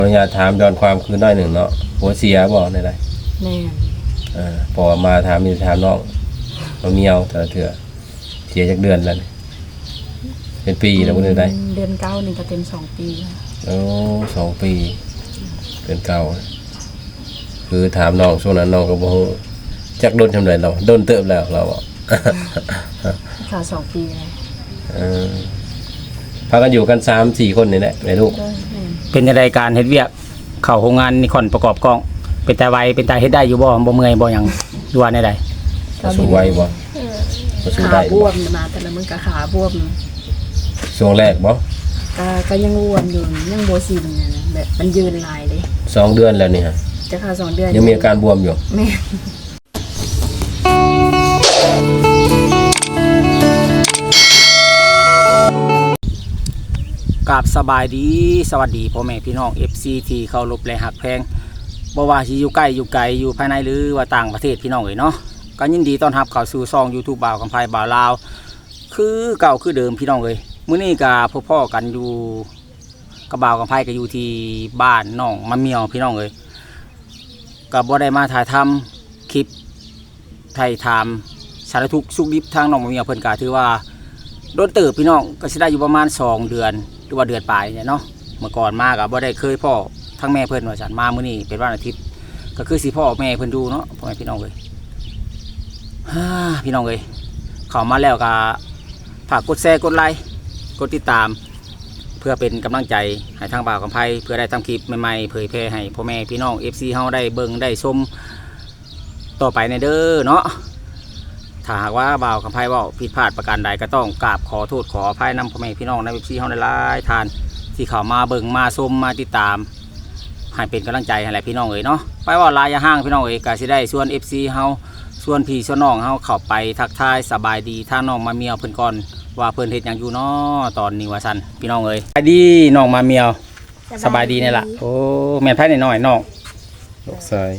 อนุญาตถามย้อนความคือน้อยหนึ่งเนาะหัวเสียบ่ได้แม่พอมาถามมีถามน้องมาเมียวแต่เถื่อเสียจากเดือนแล้วเป็นปีแล้วบ่ได้เดือนเก้านี่ก็เต็ม2 ปีโอ้2 ปีเดือนเก่าคือถามน้องช่วงนั้นน้องก็บ่ฮู้จักโดนทำไรเราโดนเติบแล้วเราอ่ะค่ะ2 ปีเลยพากันอยู่กัน 3-4 คนนี่แหละแม่ลูกเป็นในรายการเฮ็ดเวียกเข้าโรงงานนิคอนประกอบกล้องเป็นตาไวเป็นตาเฮ็ดได้อยู่บ่เมื่อยบ่หยังดูว่าแนวใดสู้ไหวบ่สู้ได้ขาบวมมาแต่ละมื้อก็ขาบวมช่วงแรกบ่ก็ยังบวมอยู่ยังบ่สิ้นนะแบบมันยืนหลายเลย 2 เดือนแล้วนี่ฮะจะค่ะ2 เดือนยังมีอาการบวมอยู่แม่กราบสบายดีสวัสดีพ่อแม่พี่น้อง FC ที่เคารพและฮักแพงบ่ว่าสิอยู่ใกล้อยู่ไกลอยู่ภายในหรือว่าต่างประเทศพี่น้องเอ้ยเนาะก็ยินดีต้อนรับเข้าสู่ช่อง YouTube บ่าวกำไพบ่าวลาวคือเก่าคือเดิมพี่น้องเอ้ยมื้อนี้ก็พ่อๆกันอยู่กับบ่าวกำไพก็อยู่ที่บ้านน้องมะเมียวพี่น้องเอ้ยก็บ่ได้มาถ่ายทำคลิปไทยถามสารทุกข์สุขดิบทางน้องมะเมียวเพิ่นก็ถือว่าโดนเติบพี่น้องก็สิได้อยู่ประมาณ2 เดือนหรือว่าเดือนปลายเนี่ยเนาะเมื่อก่อนมาก็บ่ได้เคยพ่อทั้งแม่เพิ่นว่าฉันมามื้อนี้เป็นวันอาทิตย์ก็คือสิพ่อแม่เพิ่นดูเนาะพ่อแม่พี่น้องเอ้ยพี่น้องเอ้ยเข้ามาแล้วก็ฝากกดแชร์กดไลค์กดติดตามเพื่อเป็นกำลังใจให้ทางบ่าวกำไพเพื่อได้ทำคลิปใหม่ๆเผยแพร่ให้พ่อแม่พี่น้อง FC เฮาได้เบิ่งได้ชมต่อไปในเด้อเนาะถ้าหากว่าบ่าวกำไพว่าผิดพลาดประการใดก็ต้องกราบขอโทษขออภัยนำพ่อแม่พี่น้องในเว็บซีเฮาได้หลายทานที่เข้ามาเบิ่งมาชมมาติดตามให้เป็นกำลังใจให้แหละพี่น้องเอ๋ยเนาะไปว่าลายยาห้างพี่น้องเอ๋ยก็สิได้ส่วน FC เฮาส่วนพี่ส่วนน้องเฮาเข้าไปทักทายสบายดีทางน้องมาเมียวเพิ่นก่อนว่าเพิ่นเฮ็ดหยังอยู่เนาะตอนนี้ว่าซั่นพี่น้องเอ๋ยสบายดีน้องมาเมียวสบายดีนี่ล่ะโอ้แม่นไผน้อยๆน้องลูกชาย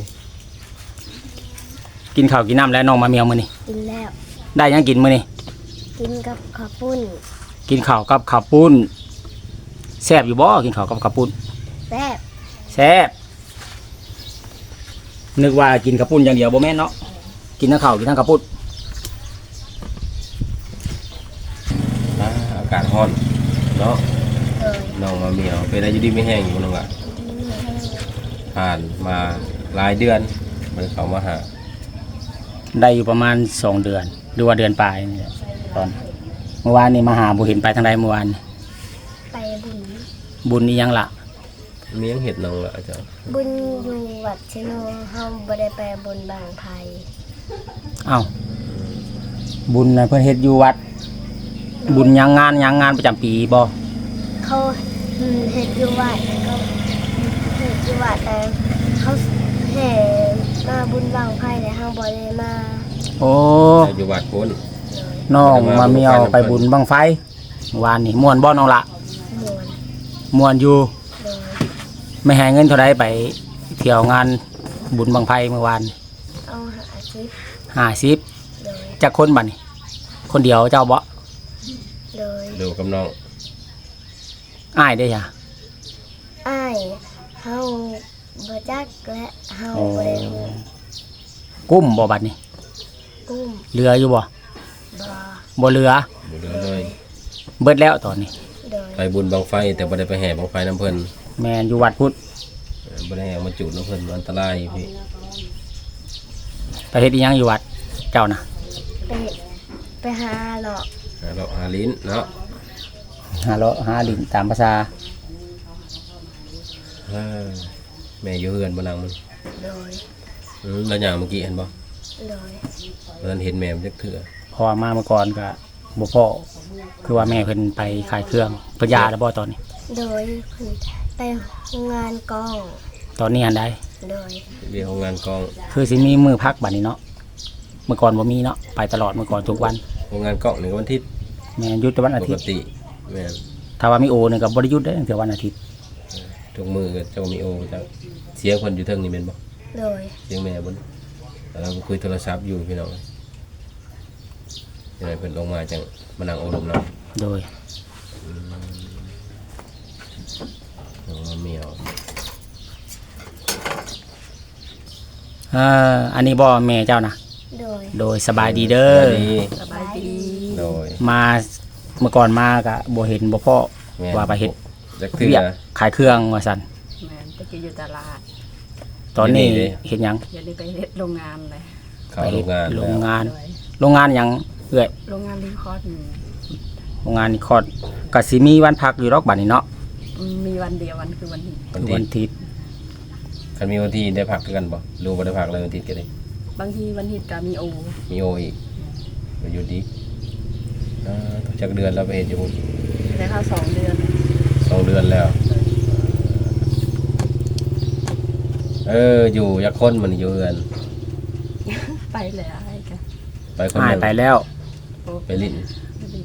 กินข้าวกินน้ำแล้วน้องมาเมียวมื้อนี้กินแล้วได้ยังกินมื้อนี้กินกับข้าวปุ้นกินข้าวกับข้าวปุ้นแซ่บอยู่บ่กินข้าวกับข้าวปุ้นแซ่บแซ่บนึกว่ากินข้าวปุ้นอย่างเดียวบ่แม่นเนาะกินทั้งข้าวกินทั้งข้าวปุ้นอากาศร้อนเนาะน้องมาเมียวเป็นอะไรอยู่ดีไม่แห้งอยู่น้องอ่ะผ่านมาหลายเดือนมันเข้ามาหาได้อยู่ประมาณ2 เดือนหรือว่าเดือนปลายนี่แหละตอนเมื่อวานนี่มาหาบ่เห็นไปทางใดเมื่อวานไปบุญนี่ยังล่ะมียังเห็ดน้องละอาจารย์บุญอยู่วัดชโนเฮาบ่ได้ไปบนบางไผอ้าวบุญน่ะเพิ่นเฮ็ดอยู่วัดบุญยังงานประจำปีบ่เขาเฮ็ดอยู่วัดเขาเฮ็ดอยู่วัดแต่เขาแห่มาบุญบางไผแล้วเฮาบ่ได้มาโอ้อยู่วัดพุ่นน้องมาเมียวไปบุญบังไฟเมื่อวานนี่ม่วนบ่น้องละม่วนอยู่ไม่ให้เงินเท่าไรไปเที่ยวงานบุญบังไฟเมื่อวานเอา 50จากคนบัดนี่คนเดียวเจ้าบ่ดูกับน้องอ้ายได้จ้ะอ้ายเฮาบ่จักและเฮาบ่ได้กุ้มบ่บัดนี่กุ้มเรืออยู่บ่บ่เรือเลยเบิดแล้วตอนนี้ไปบุญบังไฟแต่บ่ได้ไปแห่บังไฟน้ำเพิ่นแม่นอยู่วัดพุทธบ่ได้แห่มาจุดน้ำเพิ่นอันตรายพี่ไปเฮ็ดอีหยังอยู่วัดเจ้านะไปหาเลาะหาลิ้นเนาะหาลิ้นตามภาษาแม่อยู่เฮือนบ่นางมันแล้วอย่างเมื่อกี้เห็นบ่เพิ่นเห็นแม่มันจักเทื่อพอมาเมื่อก่อนก็บ่พอคือว่าแม่เพิ่นไปขายเครื่องเพิ่นยาแล้วบ่ตอนนี้โดยเพิ่นไปงานกองตอนนี้อันใดโดยเรียกงานกองคือสิมีมือพักบัดนี้เนาะเมื่อก่อนบ่มีเนาะไปตลอดเมื่อก่อนทุกวันงานกองนี่ก็วันอาทิตย์แม่หยุดวันอาทิตย์ปกติแม่ถ้าว่ามีโอนี่ก็บ่ได้หยุดได้ตั้งแต่วันอาทิตย์ทุกมื้อก็จะมีโอจะเสียคนอยู่เทิงนี่แม่นบ่โดยเสียงแม่บ่แล้วก็คุยโทรศัพท์อยู่พี่น้องยังไงเพิ่นลงมาจังมานั่งอบรมเนาะโดยเมียวอันนี้บ่แม่เจ้านะโดยโดยสบายดีเด้อสวัสดีสบายดีโดยมาเมื่อก่อนมาก็บ่เห็นบ่พ่อแม่ว่าไปเฮ็ดจักเทื่เวียอกขายเครื่องว่าซั่นแม่นตะกี้อยู่ตลาดตอนนี้เดี๋ยวนี้เด้เฮ็ดหยังอย่าได้ไปเฮ็ดโรงงานเลยเข้าโรงงานโรแล้วงงานโดยโรงงานหยังเอ้อยโรงงานรีคอร์ดโรงงานนี่คอดก็สิมีวันพักอยู่ดอกบัดนี้เนาะมีวันเดียววันคือวันนี้วันคือที่วันอาทิตย์คันมีวันที่ได้พักคือกันบ่รู้บ่ได้พักเลยวันอาที่ก็ได้บางทีวันอาทิตย์ก็มีโอมีโออีกไปอยู่ดีทุกจักเดือนเราไปเฮ็ดอยู่พุ่นได้ค่า2 เดือน 2 เดือนแล้ว อยู่ยักคนมันอยู่เฮือนไปเลยอะไรกันไปคนหาหยนึงไปแล้วโอ้ไปลิ้นไปลิ้น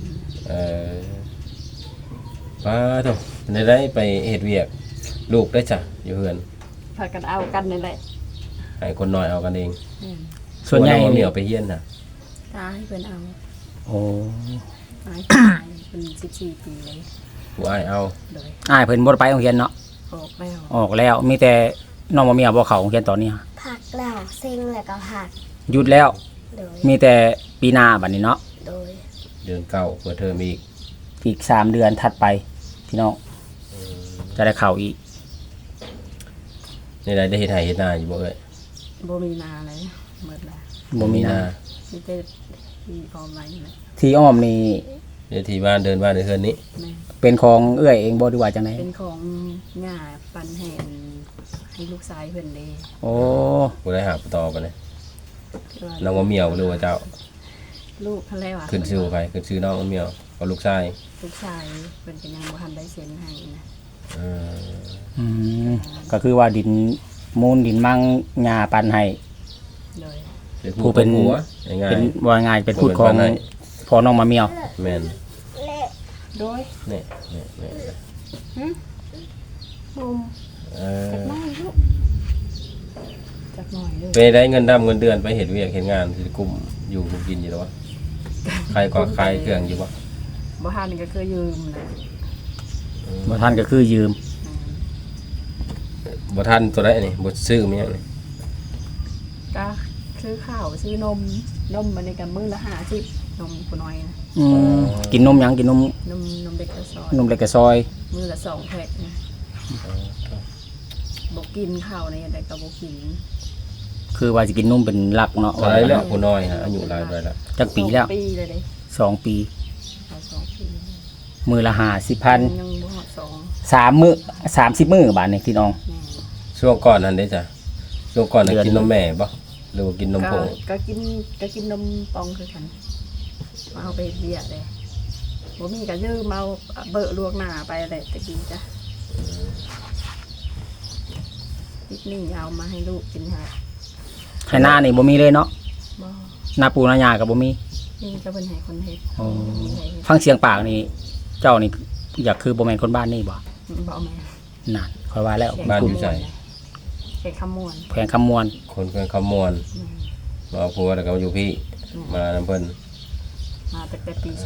ป้าโตได้ไปเฮ็ดเวียกลูกได้จ้ะอยู่เฮือนพากันเอากันนี่แหละให้คนน้อยเอากันเองส่วนใหญ่เอาเหนียวไปเฮียนน่ะตาให้เพิ่นเอาโอ้ตายเป็น14 ปีเลยผู้อ้ายเอาโดยอ้ายเพิ่นบ่ได้ไปโรงเรียนเนาะออกแล้วออกแล้วมีแต่น้องบ่มีเอาบ่เข้าโรงเรียนตอนนี้ผักแล้วเซ็งแล้วก็ผักหยุดแล้วโดยมีแต่ปีหน้าบัดนี้เนาะโดยเดือนเก้าเปิดเทอมอีกอีก3 เดือนถัดไปพี่น้องจะได้เข้าอีกในใดได้เฮ็ดไร่เฮ็ดนาอยู่บ่เอ้ยบ่มีนาเลยหมดแล้วบ่มีนามีแต่ที่พร้อมไว้นะที่อ้อมนี่เดี๋ยวที่บ้านเดินบ้านเดินเฮือนนี้แม่เป็นของเอื้อยเองบ่ดีว่าจังได๋เป็นของง่าปันแห่นให้ลูกชายเพิ่นเด้โอ้บ่ได้หาต่อไปเลยน้องมะเหมียวหรือว่าเจ้าลูกทะเลว่ะขึ้นชื่อใครขึ้นชื่อน้องมะเหมียวกับลูกชายลูกชายเพิ่นก็ยังบ่ทันได้เซ็นให้นะเอออืมก็คือว่าดินมูลดินมั่งหญ้าปันให้โดยเป็นผู้เป็นผัวง่ายเป็นว่าง่ายเป็นพูดของเป็นบ้านไหนพ่อน้องมาเมียวๆแม่นเละโดยนี่มุมเออจักหน่อยลูกจักหน่อยเด้อไปได้เงินดำเงินเดือนไปเฮ็ดเวียกเฮ็ดงานที่กลุ่มอยู่กลุ่มกินอยู่แล้ววะใครก็ขายเครื่องอยู่บ่บ่ทันก็คือยืมนะบ่ท่านก็คือยืมบ่ทันตัวใดนี่บ่ซื้อมีหยังนี่ก็ซื้อข้าวซื้อนมมันนี่ก็มื้อละ50นมผู้น้อยนะกินนมหยังกินนมนมเด็กกระซอยนมเล็กกระซอยมื้อละ2 แพ็คนะบ่กินข้าวในแต่ก็บ่กินคือว่าสิกินนมเป็นหลักเนาะเท่าไหรแล้วผู้น้อยฮะอายุหลายไปแล้วจักปีแล้ว 2 ปีเลยเด้ 2 ปีเอา2 ปีมือละ50,000 ยังบ่ฮอด2 3มื้อ30มื้อบาทนี่พี่น้องแม่ช่วงก่อนนั้นเด้จ้ะช่วงก่อนน่ะเดือนกินนมแม่บ่หรือว่ากินนมผงก็กินนมปองคือกันเอาไปเบียดเลยบ่มีก็ยืมเอาเบอะลวกหน้าไปอะไรตะกี้จ้ะนิดนี่เอามาให้ลูกกินค่ะให้หน้านี่บ่มีเลยเนาะบ่หน้าปูหน้าหญ้าก็บ่มีนี่ก็เป็นให้คนเฮ็ดอ๋อมีให้เฮ็ดฟังเสียงปากนี่เจ้านี่อยากคือบ่แม่นคนบ้านนี่บ่บ่เอาแม่นั่นค่อยว่าแล้วบ้านอยู่ไสเฮ็ดคำมวนแขวงคำมวนคนเพิ่นคำมวณอืมมาเอาผัวแล้วก็มาอยู่พี่มานํเพิ่นมาตั้งแต่ปี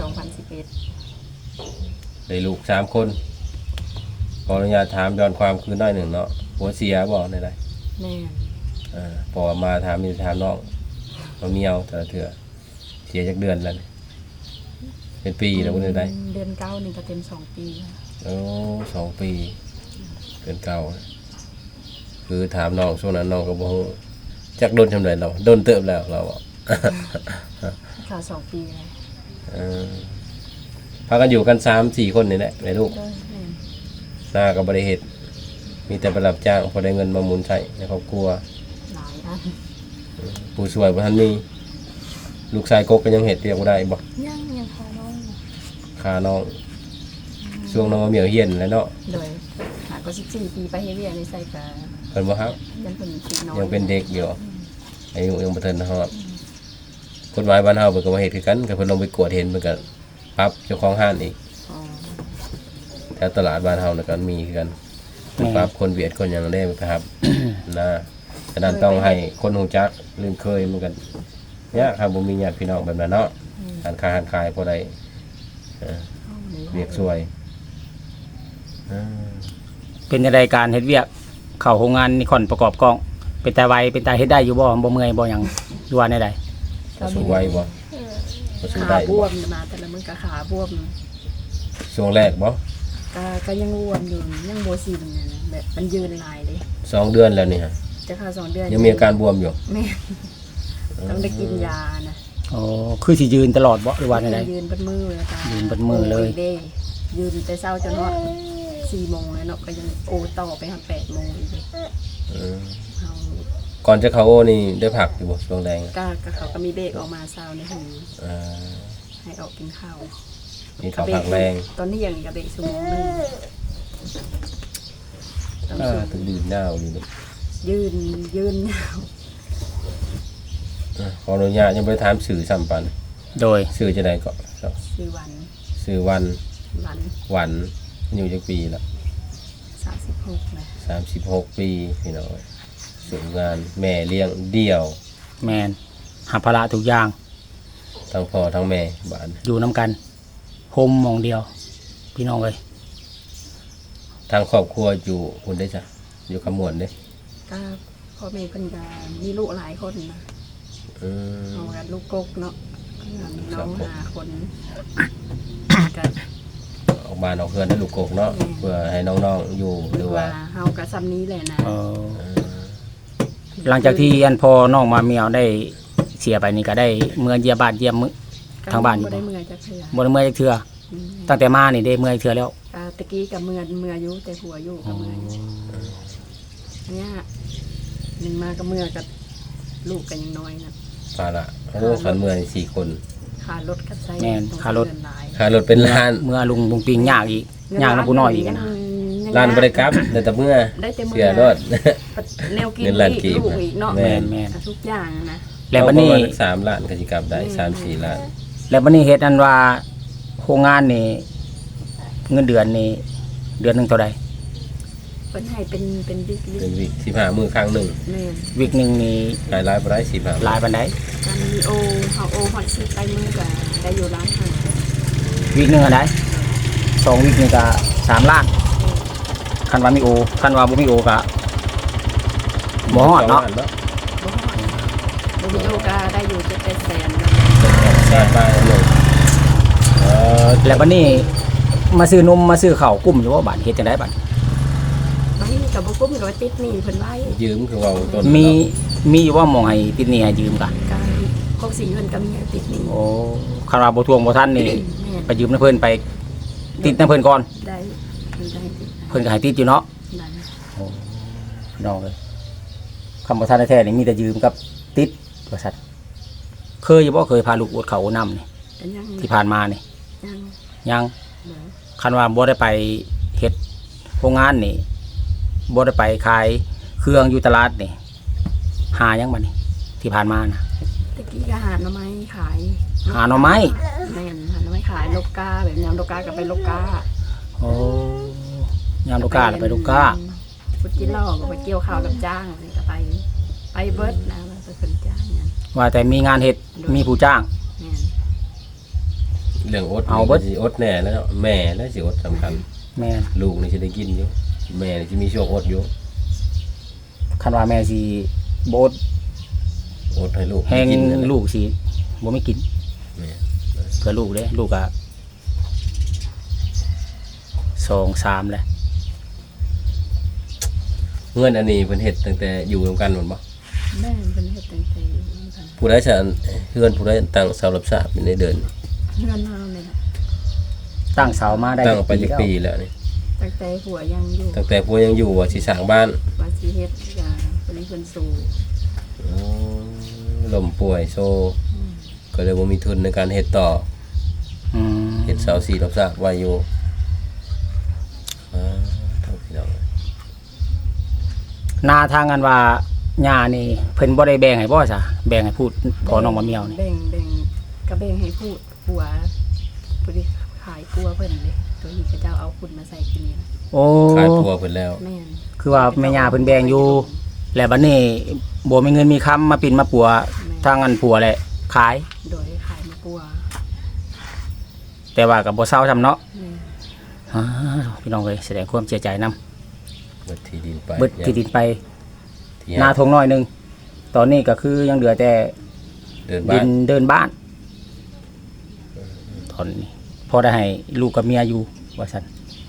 2011 ได้ลูก3คนขออนุญาตถามย้อนความคือน้อยหนึ่งเนาะผัวเสียบ่ได้แม่นพอมาถามมีถามน้องมาเมียวแต่ละเถื่อเสียจากเดือนแล้วนี่เป็นปีแล้วบ่ได้เดือนเก้านี่ก็เต็ม2 ปีแล้วโอ้2 ปีเกินเก่าคือถามน้องช่วงนั้นน้องก็บ่ฮู้จักโดนทำไรเราโดนเติบแล้วเราอ่ะค่ะ2 ปีแล้วเออพากันอยู่กัน3-4 คนนี่แหละแม่ลูกโดยแม่นหน้าก็บ่ได้เฮ็ดมีแต่ไปรับจ้างพอได้เงินมาหมุนใช้ในครอบครัวหลายอันผู้ช่วยบ่ทันมีลูกชายกกก็ยังเฮ็ดเรียกบ่ได้บ่ยังพอน้อยค่าน้องช่วงน้องมาเหมียวเฮียนแล้วเนาะโดยหาก็14 ปีไปเฮ็ดเวียกในไสก็เพิ่นบ่ครับยังเป็นปีน้อยยังเป็นเด็กอยู่อายุยังบ่ทันฮอดกฎหมายบ้านเฮาเพิ่นก็มาเฮ็ดคือกันก็เพิ่นลงไปกวดเห็นเพิ่นก็ปรับเจ้าของห้านอีกอ๋อแถวตลาดบ้านเฮาน่ะก็มีคือกันปรับคนเวียดคนหยังได้ครับ นะฉะนั้นต้องให้คนฮู้จักลืมเคยมันกันยากครับบ่มีญาติพี่น้องแบบนั้นเนาะหันค้าหันขายพอได้เวียกช่วยเออเป็นในรายการเฮ็ดเวียกเข้าโรงงานนิคอนประกอบกล้องเป็นตาไวเป็นตาเฮ็ดได้อยู่บ่เมื่อยบ่หยังดูว่าแนวใดก็สู้ไหวบ่ก็สู้ขาได้บบ่วมมาแต่ละมื้อก็ขาบวมช่วงแรกบ่ก็ยังบวมอยู่ยังบ่สิ้นนั่นน่ะแบบมันยืนหลายเลย 2 เดือนแล้วนี่ฮะจะเข้า2 เดือนยังมีอาการบวมอยู่แม่ต้องได้กินยานะอ๋อคือสิยืนตลอดบ่หรือว่าแนวใดยืนบนมือเลยค่ะยืนบนมือเลยโด้ยืนแต่เช้าจนฮอด4 โมงเลยเนาะก็ยังโอต่อไปฮอด8 โมงอีกเลยเออเฮาก่อนจะเข้าโอนี่ได้พักอยู่บ่ช่วงแรงก็เขาก็มีเบรกออกมาเช้าในหูเออให้ออกกินข้าวมีข้าวผักแรงตอนนี้ยังกับเบรกชั่วโมงนึงต้องถึงดื่มหน้าอยู่นี่ยืนยาวขออนุญาตยังบ่ได้ถามสื่อซ้ำปันโดยสื่อจะได้ก็ 4 วันสื่อวันวันหวันอยู่จักปีละ 36นะ 36 ปีพี่น้องสูงงานแม่เลี้ยงเดี่ยวแม่นหาภาระทุกอย่างทั้งพ่อทั้งแม่บ้านอยู่นํกันโฮมหมองเดียว พี่น้องเอ้ยทางครอบครัวอยู่คุณได้จ้ะอยู่ขมวนเด้ก็พ่อแม่เพิ่นก็มีลูกหลายคนนะอืมเอากันลูกกกเนาะมีน้อง5 คนก็ออกบ้านออกเพื่อนได้ลูกกกเนาะเพื่อให้น้องๆอยู่หหรืรือ อว่าว่าเฮาก็ซ้ำนี้แหละนะเออหลังจากที่อันพอน้องมาเมียวได้เสียไปนี่ก็ได้เมื่อเยี่ยมบ้านเยี่ยมมื้อ ทางบ้านอยู่บ่บ่ได้เมื่อยจักเทื่อบ่ได้เมื่อยจักเทื่อตั้งแต่มานี่ได้เมื่อยเทื่อแล้วตะกี้ก็เมื่อยอยู่แต่หัวอยู่ก็เมื่อยอยู่อันเนี้ยหนึ่งมาก็เมื่อยกับลูกกันยังน้อยนะภาระโอ้ขันเมือง4 คนค่ารถกับไซแม่นค่ารถเดือนหลายค่ารถเป็นล้านเมื่อลุงบุงปิงยากอีกยากน้ำผู้น้อยอีกนะล้านบ่ได้กลับแต่เมื่อได้แต่เมื่เสียรถแนวกินเงินล้านอีกีกบลูกอีกเนาะแม่นแม่นทุกอย่างนะแล้วบัดนี้ประมาณ3 ล้านก็สิกลับได้3-4 ล้านแล้วบัดนี้เฮ็ดอันว่าโครงงานนี่เงินเดือนนี่เดือนหนึงเท่าใดเพิ่นให้เป็นบิ๊กเป็นวิ15มื้อครั้งหนึงแม่นวิกหนึงนี่รายบ่ได้15 หลายปานใดการมีโอเฮาโอฮอดสิไปมือก็ได้อยู่ร้านอาหารวิกหนึงอันใด2วิกนี่ก็3ล้านคันว่ามีโอคันว่าบ่มีโอก็บ่ฮอดเนาะบ่ฮอดบ่มีโอก็ได้อยู่7-8 แสนแสนบาทเลยเออแล้วบัดนี้มาซื้อนมมาซื้อข้าวกุ้มอยู่ว่าบัดเฮ็ดจังได๋บัดบางทีก็บ่กุ้มก็ว่าติดหนี้เพิ่นไว้ยืมคือเว่าต้นมีอยู่ว่าหมองให้ติดหนี้ให้ยืมกันการพวกสีเงินก็มีให้ติดหนี้โอ้คันว่าบ่ทวงบ่ทันนี่แม่นไปยืมน้ำเพิ่นไปติดน้ำเพิ่นก่อนได้เพิ่นได้ติดเพิ่นก็ให้ติดอยู่เนาะได้พี่น้องเลยคำบ่ทันแท้ๆนี่มีแต่ยืมกับติดว่าซั่นเคยอยู่บ่เคยพาลูกอวดเขาวอดน้ำนี่ก็ยังที่ผ่านมานี่ยังยังเดี๋ยวคันว่าบ่ได้ไปเฮ็ดโรงงานนี่บ่ได้ไปขายเครื่องอยู่ตลาดนี่หายังบัดนี้ที่ผ่านมานะตะกี้ก็หาหน่อไม้ขายหาหน่อไม้แม่นหาหน่อไม้ขายลูกกาแบบยำลูกกาก็ไปลูกกาโอ้ยามลูกกาแล้วไปลูกกาพุดกินเหล้าก็ไปเกี่ยวข้าวกับจ้างนี่ก็ไปเบิดนะไปเป็นจ้างเนี่ยว่าแต่มีงานเฮ็ดมีผู้จ้างแม่นเรื่องอดเอาเบิดสิอดแน่แล้วเนาะแม่แล้วสิอดสำคัญแม่นลูกนี่สิได้กินอยู่แม่นี่สิมีช่วงอดอยู่คันว่าแม่สิบ่อดอดให้ลูกแฮงกินนั่นแหะลูกสิบ่ไม่กินแม่เพื่อลูกเด้ลูกอะ2-3แหละเงินอันนี้เพิ่นเฮ็ดตั้งแต่อยู่ร่วมกันหมดบ่แม่นเป็นเฮ็ดตั้งแต่อยู่นำกันผู้ใดจะเฮือนผู้ใดตั้งเสารับทราบอยู่ในเดินเงินเฮาเนี่ยนะตั้งเสามาได้ตั้งไปจักแล้วปีแล้วนี่ตั้งแต่หัวยังอยู่ตั้งแต่ผู้ยังอยู่ว่าสิสร้างบ้านว่าสิเฮ็ดก็คนนี้เพิ่นสู่อ๋อล้มป่วยโซก็เลยบ่มีทุนในการเฮ็ดต่ออืมเฮ็ดเสาสีรับทราบไว้อยู่เท่าพี่น้องนาทางกันว่าหญ้านี่เพิ่นบ่ได้แบ่งให้บ่ซะแบ่งให้พูดพอน้องมาเมียวนี่แบ่งก็แบ่งให้พูดผัวผู้ที่ขายปัวเพิ่นเลยตัวนี้ก็เจ้าเอาคุณมาใส่กินนี่นะโอ้ขายพัวเพิ่นแล้วแม่นคือว่าแม่ย่าเพิ่นแบ่งอยู่ แล้วบัดนี้บ่มีเงินมีคำมาปิ่นมาปัวทางอันผัวแหละขายโดยขายมาปัวแต่ว่าก็บ่เซาซำเนาะแม่นอ้าวพี่น้องเอ้ยแสดงความเสียใจนํเบิดที่ดินไปเบิดที่ดินไปที่นาทงน้อยหนึงตอนนี้ก็คือยังเหลือแต่เดินดิบ้านนเดินบ้านตอนนี้พอได้ให้ลูกกับเมียอยู่ว่าซั่น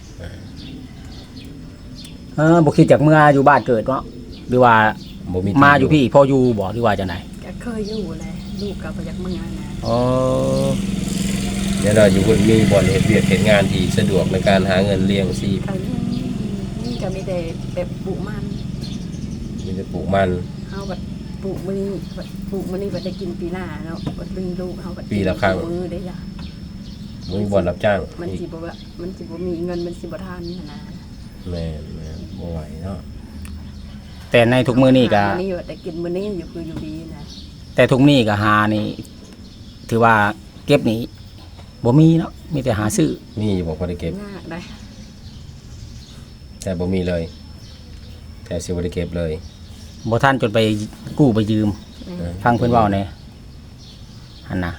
บ่คิดจากเมื่ออยู่บ้านเกิดเนาะหรือว่าบ่มีมาอยู่พี่พออยู่บ่หรือว่าจังได๋ก็เคยอยู่แหละลูกก็บ่อยากเมื่อนะอ๋อเดี๋ยวเราอยู่คนมีบ่อนเฮ็ดเวียกเฮ็ดงานที่สะดวกในการหาเงินเลี้ยงชีพก็นี่ก็มีแต่แบบปลูกมันมีแต่ปลูกมันเฮาบัดปลูกมื้อนี้บัดปลูกมื้อนี้บัดได้กินปีหน้าเนาะบัดมีลูกเฮาบัดปีละครั้งมื้อได้จ้ะบ่มีบ่อนรับจ้างมันอีกสิบ่ว่ามันสิบ่มีเงินมันสิบ่ทันนะแม่นบ่ไหวเนาะแต่ในทุกมื้อนี้ก็มื้อนี้บัดได้กินมื้อนี้อยู่คืออยู่ดีนะแต่ทุกนี้ก็หานี่ถือว่าเก็บนี่บ่มีเนาะมีแต่หาซื้อมีอยู่บ่พอได้เก็บยากได้แต่บ่มีเลย แต่สิบ่ได้เก็บเลยบ่ทันจนไปกู้ไปยืมแม่ฟังเพิ่นเว้าแหน่หั่นน่ะ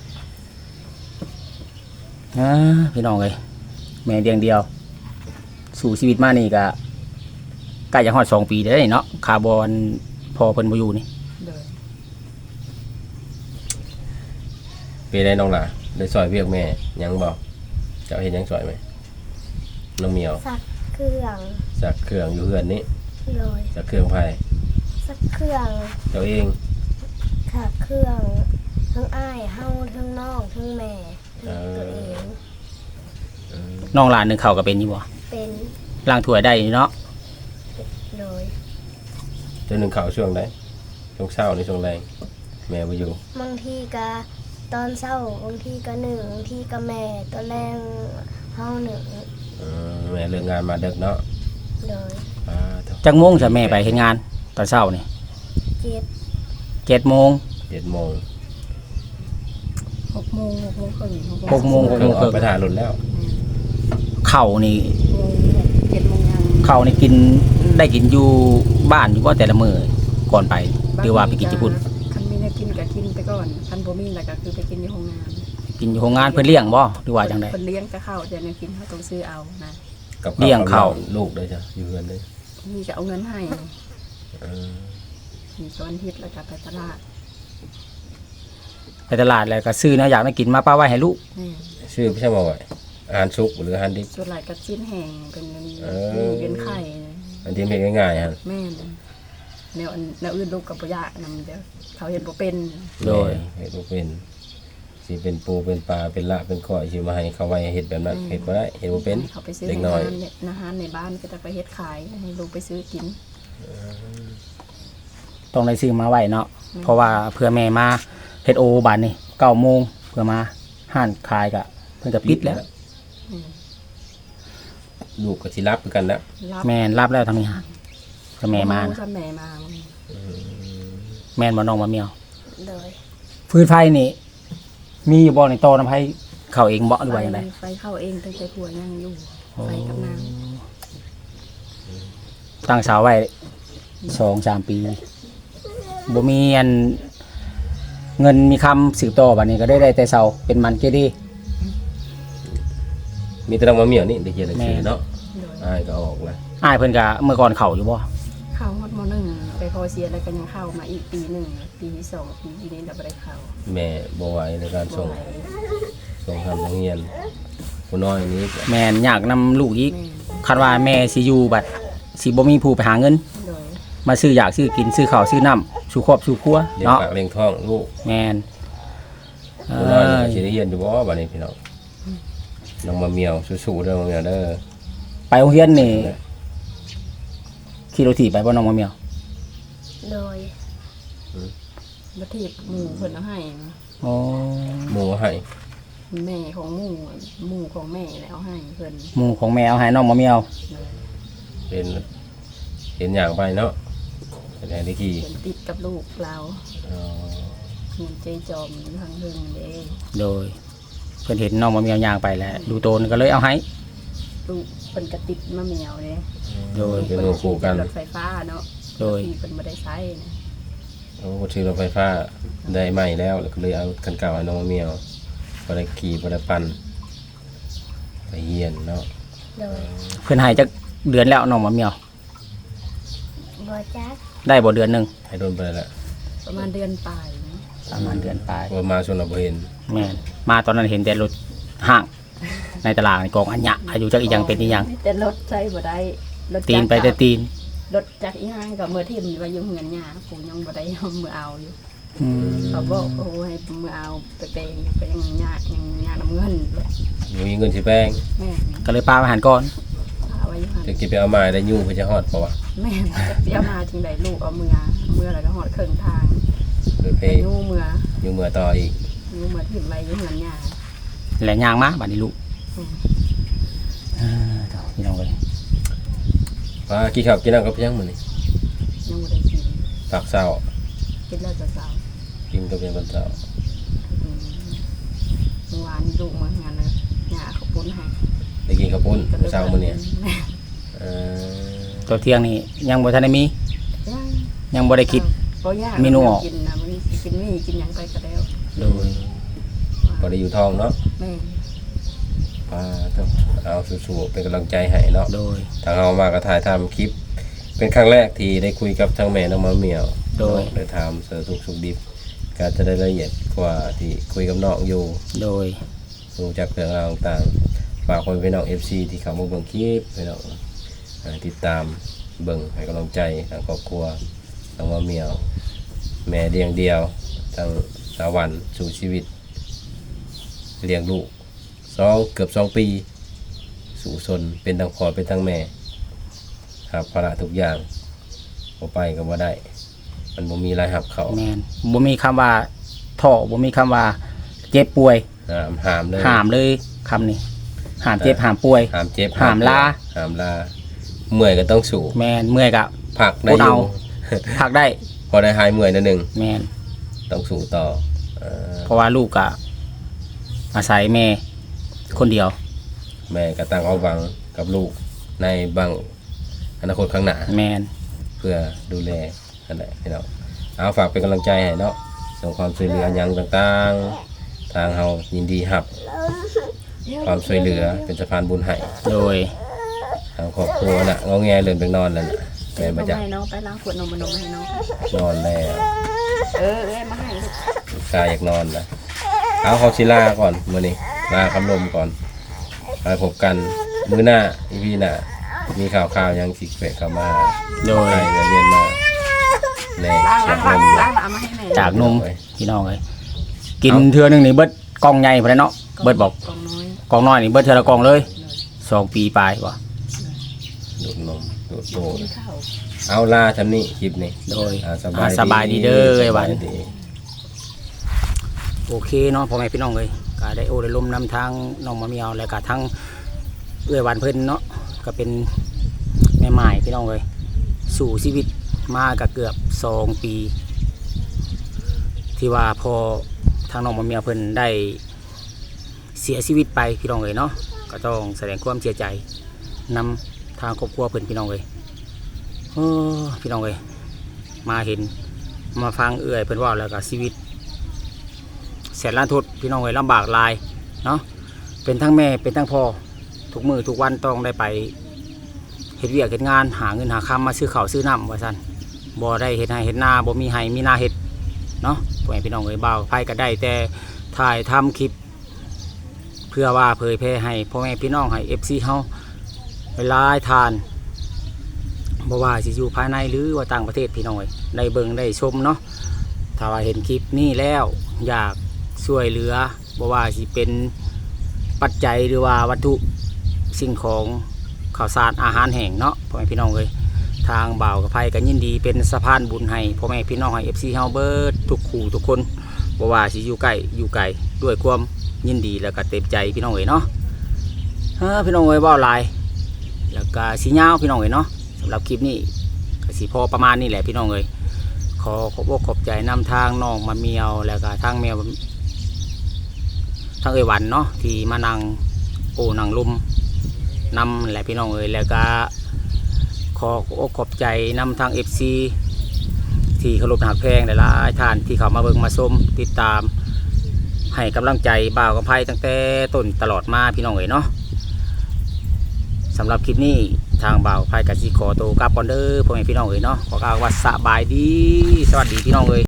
พี่น้องเอ้ยแม่เดียงเดียว สู่ชีวิตมานี่ก็ใกล้จะฮอด2 ปีได้เนาะคาร์บอนพอเพิ่นบ่อยู่นี่เด้อไปได้น้องหล่ะได้ซอยเวียกแม่ยังบ่เจ้าเฮ็ดหยังซอยไหมน้องเหมียวสักเครื่องสักเครื่องอยู่เฮือนนี้เลยสักเครื่องไผสักเครื่องเจ้าเองค่ะเครื่องทั้งอ้ายเฮาทั้งน้องทั้งแม่ตัวเองน้องหลานนึงเขาก็เป็นอยู่บ่เป็นล้างถ้วยได้เนาะเลยเจ้าหนึงเข้าช่วงใดช่วงเช้าหรือช่วงแรงแม่บ่อยู่บางทีก็ตอนเช้าบางทีก็หนึ่งบางทีก็แม่ตอนแรงเฮาหนึ่งแม่เลิกงานมาดึกเนาะเลยเท่าจักโมงจะแม่ไปเฮ็ดงานตอนเช้านี่เจ็ด 7 โมง 7 โมง 6 โมง6 โมงครึ่ง 6 โมงเครื่องออกไปถ่ายรถแล้วข้าวนี่ 7 โมงยังข้าวนี่กินได้กินอยู่บ้านอยู่บ่แต่ละมื้อก่อนไปหรือว่าไปกินที่พุ่นคันมีแนวกินก็กินไปก่อนคันบ่มีแล้วก็คือไปกินในโรงงานกินอยู่โรงงานเพิ่นเลี้ยงบ่หรือว่าจังได๋เพิ่นเลี้ยงก็เข้าแต่แนวกินเฮาต้องซื้อเอานะกับเลี้ยงข้าวลูกด้วยจ้ะอยู่เฮือนด้วยมีก็เอาเงินให้เออมีตอนอาทิตย์แล้วก็ไปตลาดไปตลาดแล้วก็ซื้อแนวอยากได้กินมาป้าไว้ให้ลูกนี่ชื่อพี่ใช่บ่ว่าอาหารสุกหรืออาหารดิบส่วนหลายก็ชิ้นแห้งเป็นเออเป็นไข่อันที่เฮ็ดง่ายๆฮะแม่นแนวอื่นลูกก็บ่ยากนำเด้อเขาเฮ็ดบ่เป็นโดยเฮ็ดบ่เป็นสิเป็นปูเป็นปลาเป็นละเป็นก้อยสิมาให้เขาไว้เฮ็ดแบบนั้นเฮ็ดบ่ได้เฮ็ดบ่เป็นให้เขาไปซื้อเด็กในน้อยร้านเนี่ยอาหารในบ้านก็จะไปเฮ็ดขายให้ลูกไปซื้อกินต้องได้ซื้อมาไว้เนาะเพราะว่าเพื่อแม่มาเฮ็ดโอบัดนี่9 โมงเพื่อมาห้านขายก็เพิ่นก็ปิดแล้วอืมลูกก็สิรับคือกันแล้วรับแม่นรับแล้วทางนี้ฮะก็แม่มานะถ้าแม่มาแม่นบ่น้องบ่เมียวเลยฟืนไฟนี่ มีอยู่บ่ในโตน้ำไผเข้าเองบ่หรือว่าจังได๋ไฟเข้าเองตั้งแต่ผัวยังอยู่ไฟกับน้ตั้งเสาไว้ 2-3 ปีบ่มีอันเงินมีคำสืบต่อบัดนี้ก็ได้แต่เสาเป็นมันเกดีมีแต่น้องมะเหมี่ยวนี่ได้เขียนหนังสือแม่เนาะำโดยอ้ายก็ออกแล้วอ้ายเพิ่นก็เมื่อก่อนเข้าอยู่บ่เข้าฮอดมหนึ่งไปพอเสียแล้วก็ยังเข้ามาอีกปีหนึ่งปีที่สองปีนี้เราไม่ได้เข้าแม่บ่ไหวในการส่งบ่ไหวส่งทำโรงเรียนผู้น้อยนี้แม่นอยากนำลูกอีกแม่คันว่าแม่สิอยู่บัดสิบ่มีผู้ไปหาเงินโดยมาซื้ออยากซื้อกินซื้อข้าวซื้อน้ำสู่ครอบสู่ครัวเลี้ยงเนาะปากเลี้ยงท้องลูกแม่นผู้น้อยนี่ก็สิได้เรียนอยู่บ่บัดนี้พี่น้องน้องมะเหมี่ยวสู้ๆเด้อมะเหมี่ยวเด้อไปโรงเรียนนี่ขี่รถถีบไปบ่น้องมะเมียวเลยบัทีหมู่เพิ่นเอาให้อ๋อหมู่ให้แม่ของหมู่ของแม่แล้วให้เพิ่นหมู่ของแม่เอาให้น้องมะเมียวเป็นเห็นอย่างไปเนาะเป็นไงได้กี่เพิ่นติดกับลูกเราอ๋อเงินใจจอมทางเพิ่นเด้โดยเพิ่นเห็นน้องมะเมียวย่างไปแล้วดูโตนก็เลยเอาให้ลูกเพิ่นก็ติดมะเหมียวเด้โดยเป็นหมู่คู่กันรถไฟฟ้าเนาะโดยที่เพิ่นบ่ได้ใช้นะโอ้ถือรถไฟฟ้าได้ใหม่แล้วก็เลยเอาคันเก่าให้น้องมะเหมี่ยวบ่ได้ขี่บ่ได้ปั่นไปเฮียนเนาะเลยเพิ่นให้จักเดือนแล้วน้องมะเมียวบบ่จักได้บ่เดือนหนึงให้โดนไปแล้วประมาณเดือนปลายนะประมาณเดือนปลายว่ามาส่วนเราบ่เห็นแม่นมาตอนนั้นเห็นแต่รถห้าง ในตลาดในกองอัญญะอายุจักอีหยังเป็นอีหยังแต่รถใช้บ่ได้รถจักรตีนไปแต่ตีนรถจักรอีห้างกับเมื่อที่มันว่าอยู่เงินหญ้าผมยังบ่ได้เอามือเอาอยู่อืมเขาบอกโอ้ให้มือเอาไปแปลงไปยังหญ้าน้ำเงินเลยบ่มีเงินสิแป้งแม่ก็เลยปาอาหารก่อนเอาไว้หันจะกินไปเอามาได้ยุ่งเพิ่นจะฮอดบ่วะแม่จะเสียมาทิ้งใดลูกเอามือแล้วก็หอดเครื่องทางโดยเพไปยู่มือยุ่งเมื่อต่ออีกยู่มือถิ่มไว้อยู่เงินหญ้าและย่างมาบัดนี้ลูกอืมเจ้าพี่น้องเอ้ยว่ากินข้าวกินน้ำกับยังมื้อนี้ยังบ่ได้กินฝากเช้ากินแล้วจะเศร้ากินกับยังตอนเช้าอืมเมื่อวานนี้ลูกมางานเลยหญ้าเขาปุ้นให้ได้กินข้าวปุ้นมื้อเช้ามื้อนี้แม่เออตัวเที่ยงนี่ยังบ่ทันได้มีย่างยังบ่ได้คิดบ่ยากเมนูออกกินนะมันกินนี่กินหยังไปก็แล้วโดยบ่ได้อยู่ท้องเนาะแม่ต้องเอาสู้ๆเป็นกำลังใจให้เนาะโดยทางเรามาก็ถ่ายทำคลิป เป็นครั้งแรกที่ได้คุยกับทางแม่น้องมะเหมี่ยวโดยได้ถามเสือสุกดิบก็จะได้ละเอียดกว่าที่คุยกับน้องอยู่โดยรู้จักเรื่องราวต่างๆฝากคนพี่น้อง FC ที่เข้ามาเบิ่งคลิปพี่น้องติดตามเบิ่งให้กำลังใจทางครอบครัวน้องมะเหมี่ยว แม่เลี้ยงเดียวทางสาวันสู่ชีวิตเลี้ยงลูกเกือบ2 ปีสู่ซนเป็นทั้งพ่อเป็นทั้งแม่ครับภาระทุกอย่างบ่ไปก็บ่ได้ มันบ่มีรายรับเขาแม่นบ่มีคำว่าท้อบ่มีคำว่าเจ็บป่วยห้ามเลยห้ามเลยคำนี้ห้ามเจ็บห้ามป่วยห้ามเจ็บห้ามลาห้ามลาเมื่อยก็ต้องสู้แม่นเมื่อยก็พักได้อเอายู่พักได้พอได้หายเมื่อยนิดนึงแม่นต้องสู้ต่อเออเพราะว่าลูกก็อาศัยแม่คนเดียวแม่ก็ตั้งเอาหวังกับลูกในบางอนาคตข้างหน้าแม่นเพื่อดูแลนั่นแหละพี่น้องเอาฝากเป็นกำลังใจให้เนาะส่งความช่วยเหลืออย่างต่างๆ ทางเฮายินดีรับความช่วยเหลือเป็นสะพานบุญให้โดยทางครอบครัวน่ะงอแงเลื่อนไปนอนแล้วน่ะแม่มาจากให้น้องไปล้างขวดนมมาให้น้องนอนแล้วมาให้ลูกกายอยากนอนนะเอาเขาชิลาก่อนมื้อนี้ลาคำลมก่อนไปพบกันมื้อหน้าอีพีหน้ามีข่าวๆยังสิเกะเข้ามาโดยใครจะเรียนมาแน่ล้างเสียล้างงลล้างมล้างเอามาให้แม่จากนมพี่น้องเลยกินเทื่อหนึงนี่เบิดกล่องใหญ่พุ่นแหละเนาะเบิดบอกกองน้อยกล่องน้อยนี่เบิดเทื่อละกล่องเลย2 ปีปลายบ่ดูดนมดูดโตกินข้าวเอาลาทำนี่คลิปนี้โดยสบายดีเด้อไอ้หวันสบายดีโอเคเนาะพ่อแม่พี่น้องเลยก็ได้โอ้ได้ลมนำทางน้องมะเมียวแล้วก็ทั้งเอื้อยหวานเพิ่นเนาะก็เป็นแม่ไม้พี่น้องเลยสู่ชีวิตมาก็เกือบ2 ปี ที่ว่าพอทางน้องมะเมียวเพิ่นได้เสียชีวิตไปพี่น้องเลยเนาะก็ต้องแสดงความเสียใจนำทางครอบครัวเพิ่นพี่น้องเลยพี่น้องเลยมาเห็นมาฟังเอื้อยเพิ่นเว่าแล้วก็ชีวิต แสนล้านทุดพี่น้องเอ้ยลำบากหลายเนาะเป็นทั้งแม่เป็นทั้งพ่อทุกมือทุกวันต้องได้ไปเฮ็ดเวียกเฮ็ดงานหาเงินหาคำมาซื้อข้าวซื้อน้ำว่าซั่นบ่ได้เฮ็ดให้เฮ็ดนาบ่มีให้มีนาเฮ็ดเนาะพ่อแม่พี่น้องเอ้ยบ่าวไผก็ได้แต่ถ่ายทำคลิป เพื่อว่าเผยแพร่ให้พ่อแม่พี่น้องให้ FC เฮาเวลาทานบ่ว่าสิอยู่ภายในหรือว่าต่างประเทศพี่น้องเอ้ยได้เบิ่งได้ชมเนาะถ้าว่าเห็นคลิปนี้แล้วอยากช่วยเหลือบ่ว่าสิเป็นปัจจัยหรือว่าวัตถุสิ่งของข่าวสารอาหารแห้งเนาะพ่อแม่พี่น้องเลยทางบ่าวกับไผก็ยินดีเป็นสะพานบุญให้พ่อแม่พี่น้องให้ FC เฮาเบิดทุกคู่ทุกคนบ่ว่าสิอยู่ใกล้อยู่ไกลด้วยความยินดีแล้วก็เต็มใจพี่น้องเอ้ยเนาะพี่น้องเอ้ยเว้าหลายแล้วก็สิยาวพี่น้องเอ้ยเนาะสำหรับคลิปนี้ก็สิพอประมาณนี้แหละพี่น้องเอ้ยขอขอบอกขอบใจนำทางน้องมะเมียวแล้วก็ทางแมวทางเอยหวันเนาะที่มานั่งโอ้นั่งลุมนำแหละพี่น้องเอ้ยแล้วก็ขอขอบใจนำทาง FC ที่เคารพหักแพงหลายๆท่านที่เขามาเบิ่งมาชมติดตามให้กำลังใจบ่าวกับไพ่ตั้งแต่ต้นตลอดมาพี่น้องเอ้ยเนาะสำหรับคลิปนี้ทางบ่าวไพ่กับสิขอตัวกลับก่อนเด้อพ่อแม่พี่น้องเอ้ยเนาะขอกล่าวว่าสบายดีสวัสดีพี่น้องเอ้ย